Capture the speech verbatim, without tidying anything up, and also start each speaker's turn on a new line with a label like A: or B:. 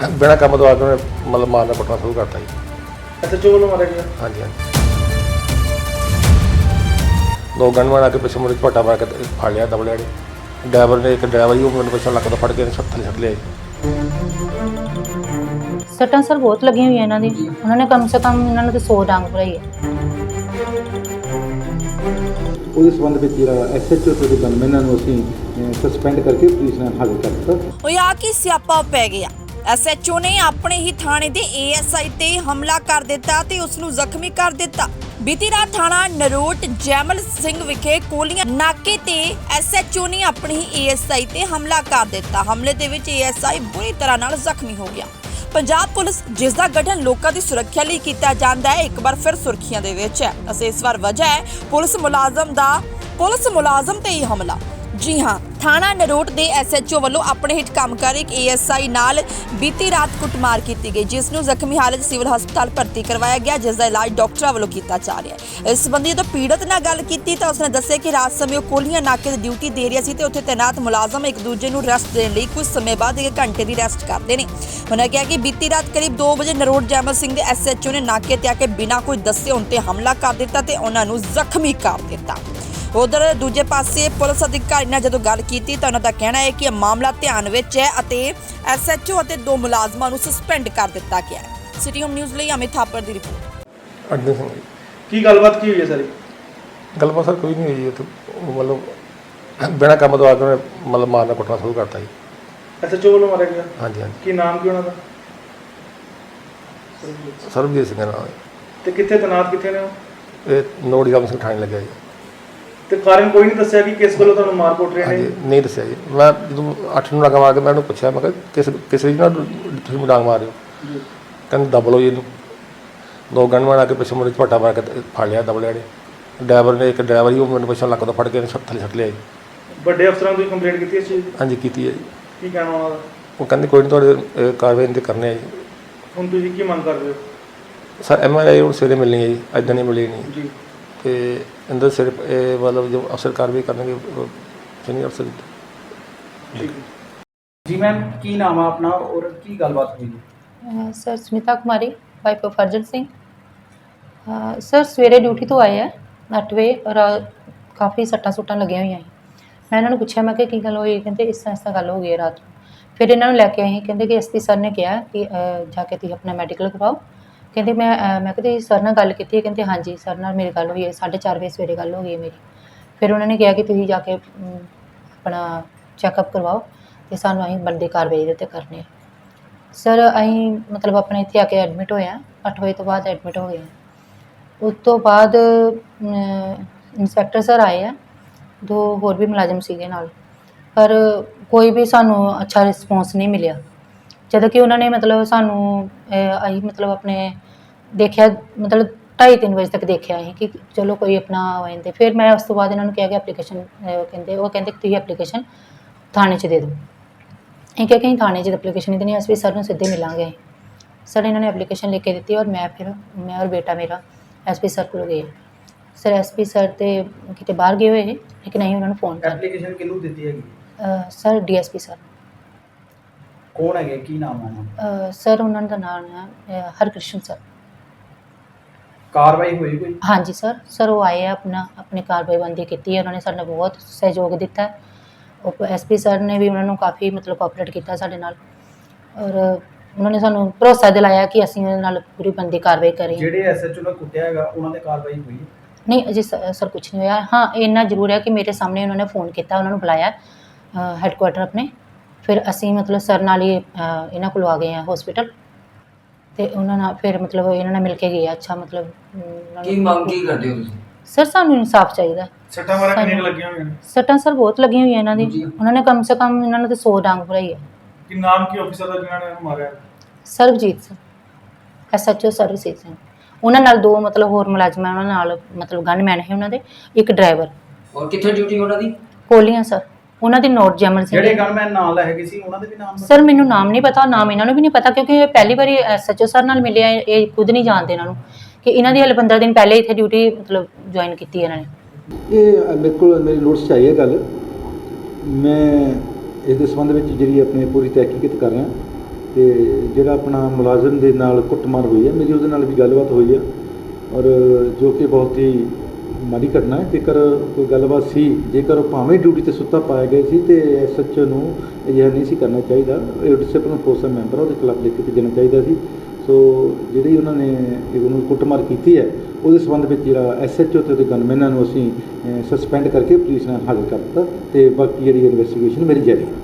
A: बिना काम तो आके मतलब मारना कुटना शुरू करता जी।
B: अच्छा जो वालों मारा गया?
A: हाँ जी हाँ जी। दो गनमैन आके पिछले मुड़े झपटा मार के फड़ लिया दबले ड्राइवर ने एक ड्राइवर ही मैंने पिछले लक तो फड़ के थले छट लिया।
C: सट्टां सर बहुत लगी हुई है इन्हों दी, उन्होंने कम से कम इन्होंने तो सौ डांग भराई है।
D: ਉਹਦੇ ਸੰਬੰਧ ਵਿੱਚ ਜਿਹੜਾ ਐਸਐਚਓ ਤੇ ਗਨਮੈਨਾਂ ਨੂੰ ਅਸੀਂ ਸਸਪੈਂਡ ਕਰਕੇ ਪੁਲਿਸ ਨਾਲ ਹਾਜ਼ਰ ਕਰ ਦਿੱਤਾ।
E: ਹੋਇਆ ਕਿ ਸਿਆਪਾ ਪੈ ਗਿਆ। ਐਸਐਚਓ ਨੇ ਆਪਣੇ ਹੀ ਥਾਣੇ ਦੇ ਏਐਸਆਈ ਤੇ ਹਮਲਾ ਕਰ ਦਿੱਤਾ ਤੇ ਉਸ ਨੂੰ ਜ਼ਖਮੀ ਕਰ ਦਿੱਤਾ। ਬੀਤੀ ਰਾਤ ਥਾਣਾ ਨਰੋਟ ਜੈਮਲ ਸਿੰਘ ਵਿਖੇ ਕੋਲੀਆਂ ਨਾਕੇ ਤੇ ਐਸਐਚਓ ਨੇ ਆਪਣੇ ਹੀ ਏਐਸਆਈ ਤੇ ਹਮਲਾ ਕਰ ਦਿੱਤਾ। ਹਮਲੇ ਦੇ ਵਿੱਚ ਏਐਸਆਈ ਬੁਰੀ ਤਰ੍ਹਾਂ ਨਾਲ ਜ਼ਖਮੀ ਹੋ ਗਿਆ। ਪੰਜਾਬ ਪੁਲਿਸ ਜਿਸ ਦਾ ਗਠਨ ਲੋਕਾਂ ਦੀ ਸੁਰੱਖਿਆ ਲਈ ਕੀਤਾ ਜਾਂਦਾ ਹੈ ਇੱਕ ਵਾਰ ਫਿਰ ਸੁਰਖੀਆਂ ਦੇ ਵਿੱਚ ਹੈ। ਅਸੀਂ ਇਸ ਵਾਰ ਵਜ੍ਹਾ ਹੈ ਪੁਲਿਸ ਮੁਲਾਜ਼ਮ ਦਾ ਪੁਲਿਸ ਮੁਲਾਜ਼ਮ ਤੇ ਹੀ ਹਮਲਾ। जी हाँ, थाना नरोट के एसएचओ वालों अपने हिट काम कर एक एएसआई नाल बीती रात कुटमार की गई, जिसनों जख्मी हालत सिविल हस्पताल भर्ती करवाया गया, जिसका इलाज डॉक्टरों वालों किया जा रहा है। इस संबंधी जो पीड़ित नाल गल की तो उसने दस्सिया कि रात समय कोलियां नाके की ड्यूटी दे रहा सी ते उत्थे तैनात मुलाजम एक दूजे नूं रेस्ट देने लई कुछ समय बाद एक घंटे की रेस्ट करते हैं। उन्होंने कहा कि बीती रात करीब दो बजे नरोट जैमल सिंह के एसएचओ ने नाके ते आके बिना कोई दस्से उन ते हमला कर दिता ते उन्हां नूं जख्मी कर दिता। उधर दूजे पासे पुलिस अधिकारी ने जो गल की तो उन्हों का कहना है कि यह मामला ध्यान में है। एसएचओ और दो मुलाजमान को सस्पेंड कर दिता गया है। सिटी होम न्यूज़ लिए अमित थापर की रिपोर्ट।
A: अड्डे सिंह जी
B: की गलबात की हुई है सारी?
A: गलबात सर कोई नहीं हुई है, तो मतलब बिना काम तो आके मतलब मारना कुटना शुरू करता जी।
B: एसएचओ वालों मारा गया?
A: हाँ जी हाँ जी।
B: की नाम की उन्होंने?
A: सरबजीत सिंह नाम है।
B: तो कितने तैनात कितने ने?
A: ये नोट जाम सिंह ठाणे लगे जी।
B: तो कारण कोई नहीं दस्या कि किस वालों तुहानूं मार कुट रहे
A: हाँ
B: ने?
A: जी नहीं दसिया जी। मैं जो अठ नूं डांगा मार के मैं उन्होंने पूछा, मैं किस किस रीज नाल तुसीं डांग मार रहे हो? कहते दब लो जी इनू। दो गनमैन आके पिछले मुड़े झपटा मार के फड़ लिया दबले ड्राइवर ने एक ड्राइवर ही मैंने पिछले लक तो फड़ के थले छट लिया।
B: बड़े अफसरां कोई कंप्लेंट की इस चीज़ दी?
A: हाँ जी की है जी।
B: की कहना उन्होंने?
A: वो कहते कोई नहीं थोड़े कार्रवाई इनते करने जी।
B: हुण तुसीं की मंग कर रहे हो?
A: सर एम एल ए हूँ सवेरे मिलनी है जी, अज नहीं मिली नहीं
B: जी।
A: तो इंदर सिर मतलब जो अफसर कार्रवाई करेंगे सीनियर अफसर।
B: ठीक है
F: जी मैम, की नाम है अपना और की गलबात हुई है?
C: Sir Smita Kumari, wife of Arjan Singh. अ, सर सवेरे ड्यूटी तो आए हैं अठ बजे और काफ़ी सट्टां सुट्टां लगियां हुई हैं। मैं इन्होंने पूछा मैं कि गल हुई, कहते इस तरह इस तरह गल हो गई है रात को। फिर इन्होंने लैके आई, कहते कि एस पी सर ने कहा कि जाके तुसीं अपना मैडिकल करवाओ। कहते मैं मैं कहते सर नाल गल की? कहते हाँ जी सर नाल मेरी गल हुई है, साढ़े चार बजे सवेरे गल हो गई है मेरी। फिर उन्होंने कहा कि तुसीं जाके अपना चैकअप करवाओ तो सानूं असीं बनदी कार्रवाई इहदे ते करनी है। सर असीं मतलब अपने इत्थे आके एडमिट होए हैं, अठ बजे तो बाद एडमिट हो गए हैं। उस तो बाद इंस्पैक्टर सर आए हैं, दो होर भी मुलाजिम सीगे नाल, पर कोई भी सानूं अच्छा रिस्पॉन्स नहीं मिलिया। ਜਦੋਂ ਕਿ ਉਹਨਾਂ ਨੇ ਮਤਲਬ ਸਾਨੂੰ ਅਸੀਂ ਮਤਲਬ ਆਪਣੇ ਦੇਖਿਆ ਮਤਲਬ ਢਾਈ ਤਿੰਨ ਵਜੇ ਤੱਕ ਦੇਖਿਆ ਅਸੀਂ ਕਿ ਚਲੋ ਕੋਈ ਆਪਣਾ ਆ ਜਾਂਦੇ। ਫਿਰ ਮੈਂ ਉਸ ਤੋਂ ਬਾਅਦ ਇਹਨਾਂ ਨੂੰ ਕਿਹਾ ਕਿ ਐਪਲੀਕੇਸ਼ਨ ਕਹਿੰਦੇ ਉਹ ਕਹਿੰਦੇ ਕਿ ਤੁਸੀਂ ਐਪਲੀਕੇਸ਼ਨ ਥਾਣੇ 'ਚ ਦੇ ਦਿਓ। ਅਸੀਂ ਕਿਹਾ ਕਿ ਅਸੀਂ ਥਾਣੇ 'ਚ ਐਪਲੀਕੇਸ਼ਨ ਨਹੀਂ ਦੇਣੀ, ਅਸੀਂ ਸਰ ਨੂੰ ਸਿੱਧੇ ਮਿਲਾਂਗੇ। ਸਰ ਇਹਨਾਂ ਨੇ ਐਪਲੀਕੇਸ਼ਨ ਲਿਖ ਕੇ ਦਿੱਤੀ ਔਰ ਮੈਂ ਫਿਰ ਮੈਂ ਔਰ ਬੇਟਾ ਮੇਰਾ ਐਸ ਪੀ ਸਰ ਕੋਲ ਗਏ। ਸਰ ਐਸ ਪੀ ਸਰ ਤੇ ਕਿਤੇ ਬਾਹਰ ਗਏ ਹੋਏ ਲੇਕਿਨ ਅਸੀਂ ਉਹਨਾਂ ਨੂੰ ਫੋਨ ਕਰ
F: ਐਪਲੀਕੇਸ਼ਨ ਕਿਹਨੂੰ ਦਿੱਤੀ ਹੈਗੀ?
C: Sir D S P sir.
F: ਕੌਣ ਹੈਗੇ, ਕੀ ਨਾਮ ਹੈ ਉਹਨਾਂ ਦਾ?
C: ਸਰ ਉਹਨਾਂ ਦਾ ਨਾਮ ਹੈ ਹਰਕ੍ਰਿਸ਼ਨ ਸਰ।
F: ਕਾਰਵਾਈ ਹੋਈ ਕੋਈ? हाँ
C: जी सर सर वो आए हैं अपना अपनी कार्रवाईबंदी की है, उन्होंने सानू बहुत सहयोग दिता है। और एस पी सर ने भी उन्होंने काफ़ी मतलब कोऑपरेट किया साडे नाल और उन्होंने सानू भरोसा दिलाया कि असीं उहदे नाल पूरी बंदी कार्रवाई करें।
F: ਜਿਹੜੇ ਐਸਐਚਓ ਨੇ ਕੁੱਟਿਆ ਹੈਗਾ ਉਹਨਾਂ ਦੇ ਕਾਰਵਾਈ ਹੋਈ है?
C: नहीं अजी सर कुछ नहीं होया। हाँ इन्ना जरूर है कि मेरे सामने उन्होंने फ़ोन किया, उन्होंने बुलाया हैडकुआटर अपने, फिर असी मतलब सर नाल ही इन्हों को आ गए हैं हॉस्पिटल तो उन्होंने फिर मतलब इन्होंने मिल के गए। अच्छा मतलब
G: की मांग की करते हो तुसीं?
C: सर सानू इंसाफ चाहिए।
B: सट्टां मारा कितनी लगियां हुई हैं?
C: सट्टां सर बहुत लगी हुई हैं इन्हों दी, उन्होंने कम से कम इन्होंने तो सौ डांग भराई है।
B: कि नाम की ऑफिसर दा जिन्हां ने मारा?
C: Sarabjit Singh, S H O Sarabjit Singh. उन्होंने नाल दो मतलब होर मुलाजम है, उन्होंने नाल मतलब गनमैन है उन्होंने, एक ड्राइवर।
G: और कित्थे ड्यूटी उन्हां दी?
C: कोलियां सर, उन्होंने नोट जैमल सिंह।
F: ਜਿਹੜੇ ਗਨਮੈਨ ਨਾਲ ਹੈਗੇ ਸੀ ਉਹਨਾਂ ਦੇ ਵੀ ਨਾਮ?
C: सर मैनू नाम नहीं पता, नाम इन्होंने भी नहीं पता क्योंकि ये पहली बार एस एच ओ सर नाल मिले, ये खुद नहीं जानते इन्होंने कि इन्हों हल पंद्रह दिन पहले इतने ड्यूटी मतलब ज्वाइन की इन्होंने।
D: ਇਹ ਮੇਰੇ ਕੋਲ ਮੇਰੀ ਨੋਟਿਸ 'ਚ ਆਈ ਹੈ ਗੱਲ। ਮੈਂ ਇਸ ਦੇ ਸੰਬੰਧ ਵਿੱਚ ਜਿਹੜੀ ਆਪਣੀ ਪੂਰੀ ਤਹਿਕੀਕਤ ਕਰ ਰਿਹਾ ਤੇ ਜਿਹੜਾ ਆਪਣਾ ਮੁਲਾਜ਼ਮ ਦੇ ਨਾਲ ਕੁੱਟਮਾਰ ਹੋਈ ਹੈ, ਮੇਰੀ ਉਹਦੇ ਨਾਲ ਵੀ ਗੱਲਬਾਤ ਹੋਈ ਹੈ ਔਰ ਜੋ ਕਿ ਬਹੁਤ ਹੀ ਮਾੜੀ ਘਟਨਾ ਹੈ। ਜੇਕਰ ਕੋਈ ਗੱਲਬਾਤ ਸੀ, ਜੇਕਰ ਉਹ ਭਾਵੇਂ ਡਿਊਟੀ ਤੇ ਸੁੱਤਾ ਪਾਇਆ ਗਿਆ ਸੀ ਤੇ ਐਸ ਐਚ ਓ ਨੂੰ ਅਜਿਹਾ ਨਹੀਂ ਸੀ ਕਰਨਾ ਚਾਹੀਦਾ। ਇਹ ਡਿਸਪਲਿਨ ਫੋਰਸ ਦਾ ਮੈਂਬਰ ਆ, ਉਹਦੇ ਖਿਲਾਫ ਲਿਖ ਕੇ ਭੇਜਣਾ ਚਾਹੀਦਾ ਸੀ। ਸੋ ਜਿਹੜੀ ਉਹਨਾਂ ਨੇ ਉਹਨੂੰ ਕੁੱਟਮਾਰ ਕੀਤੀ ਹੈ, ਉਹਦੇ ਸੰਬੰਧ ਵਿੱਚ ਜਿਹੜਾ ਐਸ ਐਚ ਓ ਤੇ ਉਹਦੇ ਗਨਮੈਨਾਂ ਨੂੰ ਅਸੀਂ ਸਸਪੈਂਡ ਕਰਕੇ ਪੁਲਿਸ ਨਾਲ ਹਾਜ਼ਰ ਕਰ ਦਿੱਤਾ ਤੇ ਬਾਕੀ ਜਿਹੜੀ ਇਨਵੈਸਟੀਗੇਸ਼ਨ ਮੇਰੀ ਜਾਰੀ ਹੈ।